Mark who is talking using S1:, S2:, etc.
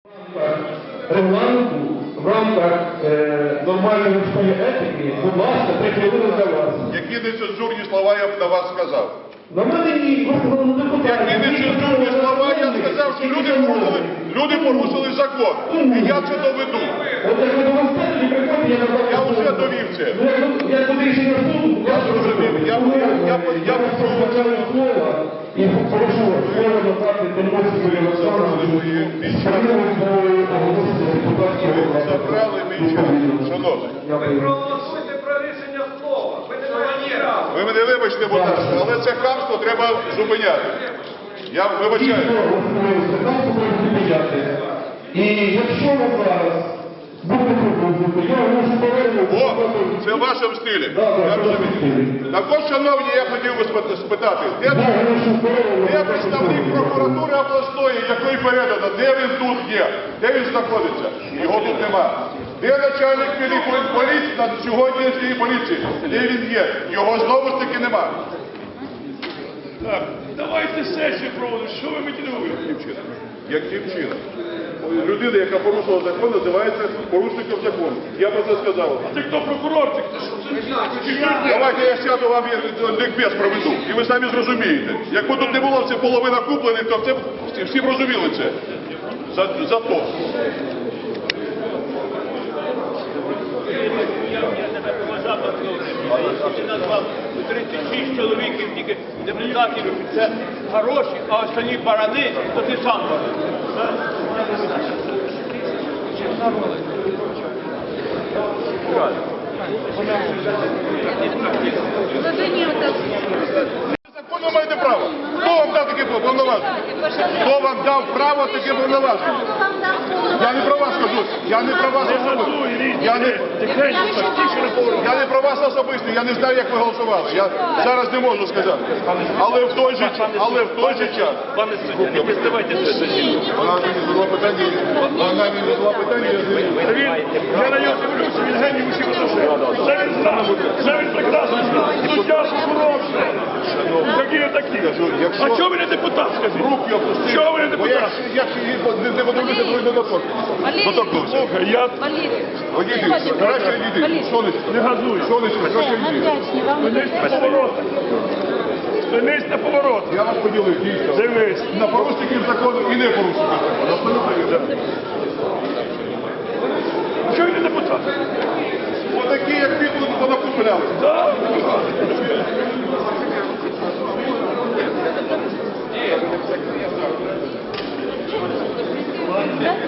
S1: Регламенту, в рамках нормальної людської етики, будь ласка, 3 хвилини для вас.
S2: Які нецензурні слова я б на вас сказав?
S1: На мене ні, просто не питання.
S2: Які нецензурні слова я сказав, що люди порушили закон. І я це доведу.
S1: От як ви довести, тоді приходьте, я назвав.
S2: Я вже довів це.
S1: Я туди рішення суду,
S2: Я зрозумів. Я прошу
S1: слова і прошу слово надати Тимофію Олександровичу.
S2: Забрали мій час. Шановний.
S3: Ви проголосуйте про рішення слова. Ви не маєте права.
S2: Ви мене вибачте, будь ласка, але це хамство треба зупиняти. Я вибачаю.
S1: І якщо ви зараз будете продовжувати, я можу повернути.
S2: О, це в вашому стилі. Я розумію. Також, шановні, я хотів би спитати, де представник прокуратури обласної, якої передано, де він тут є, де він знаходиться? Його тут нема. Де начальник поліції, сьогоднішньої поліції? Де він є? Його знову ж таки нема.
S4: Так, давайте сесію проводимо. Що ви мотивуєте?
S2: Яким чином? Людина, яка порушила закон, називається порушником закону. Я про це сказав.
S4: А ти хто прокурор? Ти хто?
S2: Давайте я сяду вам лікбез проведу, і ви самі зрозумієте. Якби тут не було все половина куплених, то всі б розуміли це. За то.
S5: Я тебе поважав, ти назвав 36 чоловіків, тільки депутатів, це хороші, а останні барани, то ти сам баран.
S2: Законно маєте право. Хто вам дав таке повноваження? Хто вам дав право таке повноваження? Я не про вас кажу. Я не про вас особисто. Я не про вас особисто. Я не знаю, як ви голосували. Я зараз не можу сказати. Але в той же час.
S4: Пане суддя, не признавайте це засідання.
S2: Вона мені задала питання.
S4: Я на нього дивлюся, він геній усіх отношень. Це він знав. Це він прекрасно знав. Суддя прокурор. Які ви такі? А чого ви не депутат, скажіть?
S2: Руки опустили.
S4: Чого ви не
S2: Бо
S4: депутат?
S2: якщо не подивлюся, то не доторкнувся.
S4: Слухай, я
S2: Одійди, краще відійди. Сонечко.
S4: не газую.
S2: Сонечко, краще відійди.
S4: Спинись на поворотах. Спинись на поворотах.
S2: Я вас поділив, дійсно.
S4: Дивись.
S2: На порушників закону і не порушників закону. Абсолютно вірно.
S4: Чого ви не депутат?
S2: Отакі, як ви, тут понакупляли.
S4: Так.